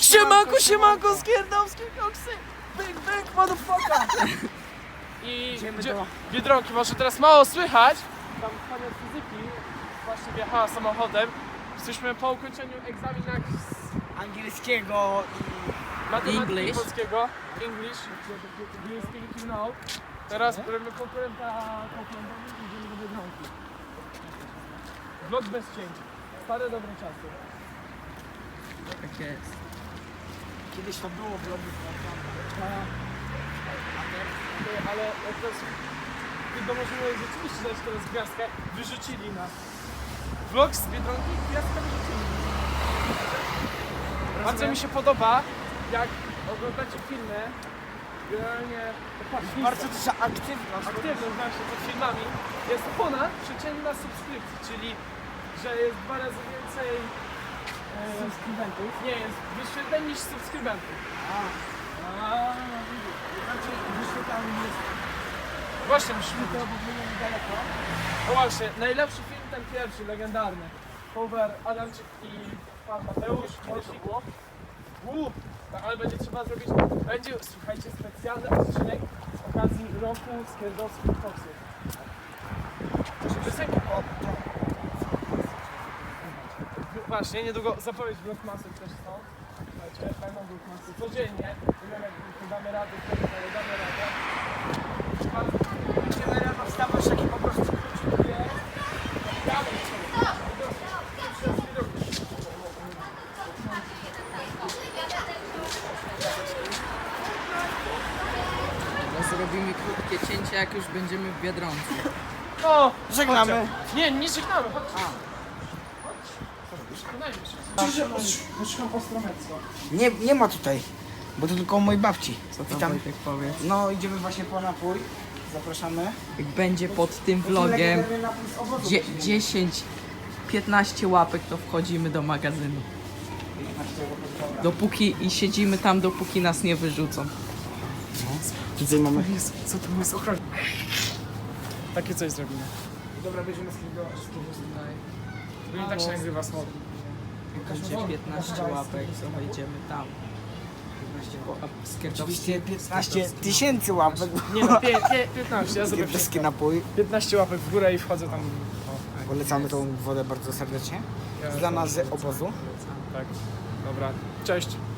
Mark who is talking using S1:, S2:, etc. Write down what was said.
S1: Siemanko, Skierdowskie koksy! Byk, motherfucker! I Biedronki, może teraz mało słychać. Tam pani od fizyki właśnie wjechała samochodem. Jesteśmy po ukończeniu egzaminach z
S2: angielskiego
S1: matematyki polskiego. English, do you speak you know. Teraz robimy konkurenta i idziemy do Biedronki. Vlog bez cięć. Stare dobre czasy.
S2: Tak jest. Kiedyś to było vlogi,
S1: ale jak teraz możemy rzeczywiście dać teraz gwiazdkę, wyrzucili nas. Vlog z Biedronki, gwiazdkę wyrzucili. Bardzo mi się podoba, jak oglądacie filmy, generalnie
S2: bardzo duża aktywność
S1: właśnie pod filmami jest ponad przeciętna subskrypcji, czyli że jest 2 razy więcej
S2: subskrybentów.
S1: nie, jest wyświetleń niż subskrybentów.
S2: Znaczy wyświetlamy jest
S1: Właśnie musimy
S2: to w ogóle niedaleko.
S1: No właśnie, najlepszy film ten pierwszy, legendarny. Cover Adamczyk i pan Mateusz, kiedyś to było. Tak, ale będzie trzeba zrobić, będzie, słuchajcie, specjalny odcinek z okazji roku Skierdowskich koksów. Piosenka. Właśnie, niedługo zapowiedź Vlogmasów też są. Słuchajcie, fajną Vlogmasy codziennie. Nie wiem, jak damy radę, ale damy radę.
S2: Będziemy rano wstawać taki po prostu króciutkie.
S3: Zrobimy krótkie cięcie, jak już będziemy w Biedronce.
S1: O,
S2: Żegnamy.
S1: chodźcie. Nie żegnamy, chodź. Poszukam Ostromecko.
S2: Nie ma tutaj, bo to tylko u mojej babci.
S3: Co tam
S2: Witam.
S3: Wojtek powiedz?
S2: No idziemy właśnie po napój. Zapraszamy.
S3: Jak będzie pod tym vlogiem
S2: Legendarny napój z owocu.
S3: 10-15 łapek, to wchodzimy do magazynu. Dopóki i siedzimy tam, dopóki nas nie wyrzucą.
S2: Tutaj mamy.
S1: Co to jest ochrona? Takie coś zrobimy.
S2: Dobra, będziemy z tego
S1: Bo i tak się nagrywa smog.
S3: Będzie 15 łapek, to wejdziemy tam.
S2: Oczywiście 15 tysięcy łapek.
S1: Nie no, 15, ja zrobię
S2: Skierdowski napój.
S1: 15 łapek w górę i wchodzę tam.
S2: Polecamy tą wodę bardzo serdecznie. Dla nas z obozu.
S1: Tak, dobra, cześć.